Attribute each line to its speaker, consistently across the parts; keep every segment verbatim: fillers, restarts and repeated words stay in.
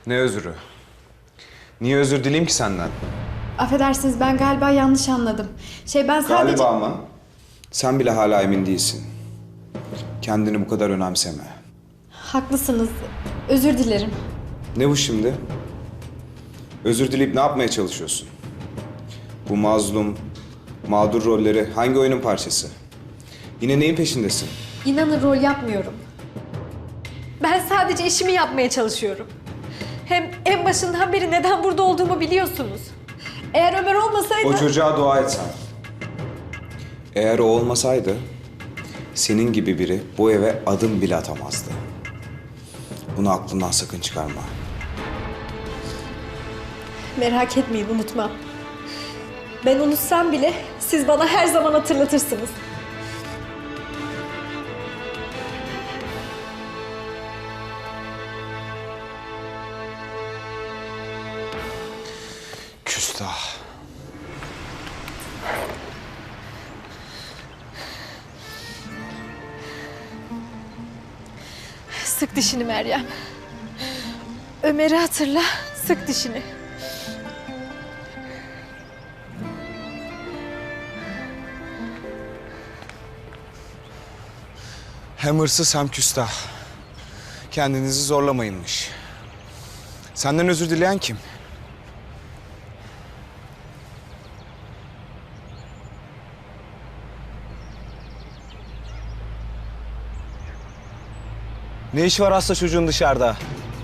Speaker 1: Ne özürü? Niye özür dileyim ki senden?
Speaker 2: Affedersiniz, ben galiba yanlış anladım. Şey ben sadece...
Speaker 1: Galiba mı? Sen bile hala emin değilsin. Kendini bu kadar önemseme.
Speaker 2: Haklısınız. Özür dilerim.
Speaker 1: Ne bu şimdi? Özür dileyip ne yapmaya çalışıyorsun? Bu mazlum, mağdur rolleri hangi oyunun parçası? Yine neyin peşindesin?
Speaker 2: İnanın rol yapmıyorum. Ben sadece işimi yapmaya çalışıyorum. Hem en başından beri neden burada olduğumu biliyorsunuz. Eğer Ömer olmasaydı...
Speaker 1: O çocuğa dua et sen. Eğer o olmasaydı, senin gibi biri bu eve adım bile atamazdı. Bunu aklından sakın çıkarma.
Speaker 2: Merak etmeyin, unutmam. Ben unutsam bile siz bana her zaman hatırlatırsınız.
Speaker 1: Küstah.
Speaker 2: Sık dişini Meryem. Ömer'i hatırla, sık dişini.
Speaker 1: Hem hırsız hem küstah. Kendinizi zorlamayınmış. Senden özür dileyen kim? Ne iş var hasta çocuğun dışarıda?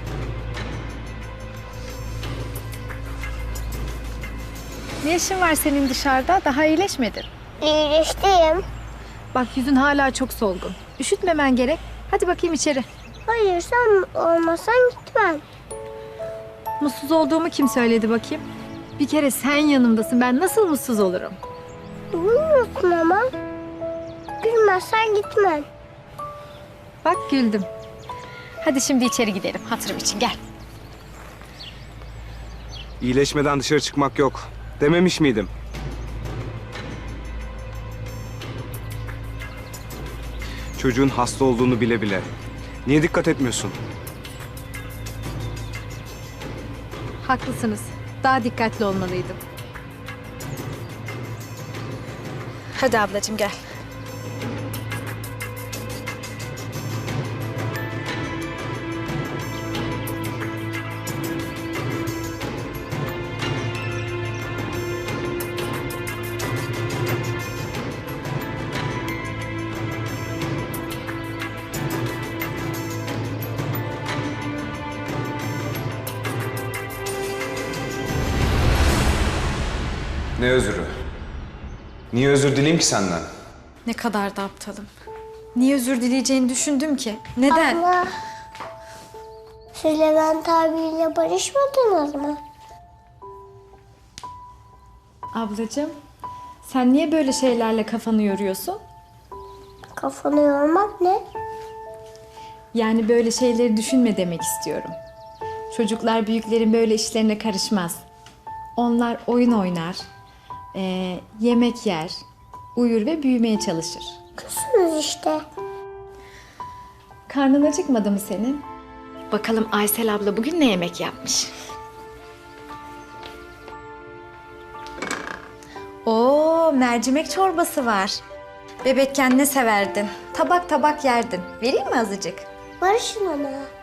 Speaker 3: Ne işin var senin dışarıda? Daha iyileşmedin.
Speaker 4: İyileştim.
Speaker 3: Bak yüzün hala çok solgun. Üşütmemen gerek. Hadi bakayım içeri.
Speaker 4: Hayır, sen olmasan gitmem.
Speaker 3: Mutsuz olduğumu kim söyledi bakayım? Bir kere sen yanımdasın. Ben nasıl mutsuz olurum?
Speaker 4: Bilmiyorsun ama. Gülmezsen gitmem.
Speaker 3: Bak güldüm. Hadi şimdi içeri gidelim. Hatırım için gel.
Speaker 1: İyileşmeden dışarı çıkmak yok. Dememiş miydim? Çocuğun hasta olduğunu bile bile. Niye dikkat etmiyorsun?
Speaker 3: Haklısınız. Daha dikkatli olmalıydım.
Speaker 2: Hadi ablacığım gel.
Speaker 1: Ne özürü? Niye özür dileyim ki senden?
Speaker 2: Ne kadar da aptalım. Niye özür dileyeceğini düşündüm ki? Neden?
Speaker 4: Abla, siz Levent abiyle barışmadınız mı?
Speaker 2: Ablacığım, sen niye böyle şeylerle kafanı yoruyorsun?
Speaker 4: Kafanı yormak ne?
Speaker 2: Yani böyle şeyleri düşünme demek istiyorum. Çocuklar büyüklerin böyle işlerine karışmaz. Onlar oyun oynar, eee, yemek yer, uyur ve büyümeye çalışır.
Speaker 4: Küsünüz işte.
Speaker 2: Karnın acıkmadı mı senin? Bakalım Aysel abla bugün ne yemek yapmış? Oo, mercimek çorbası var. Bebekken ne severdin? Tabak tabak yerdin. Vereyim mi azıcık?
Speaker 4: Barışın ona.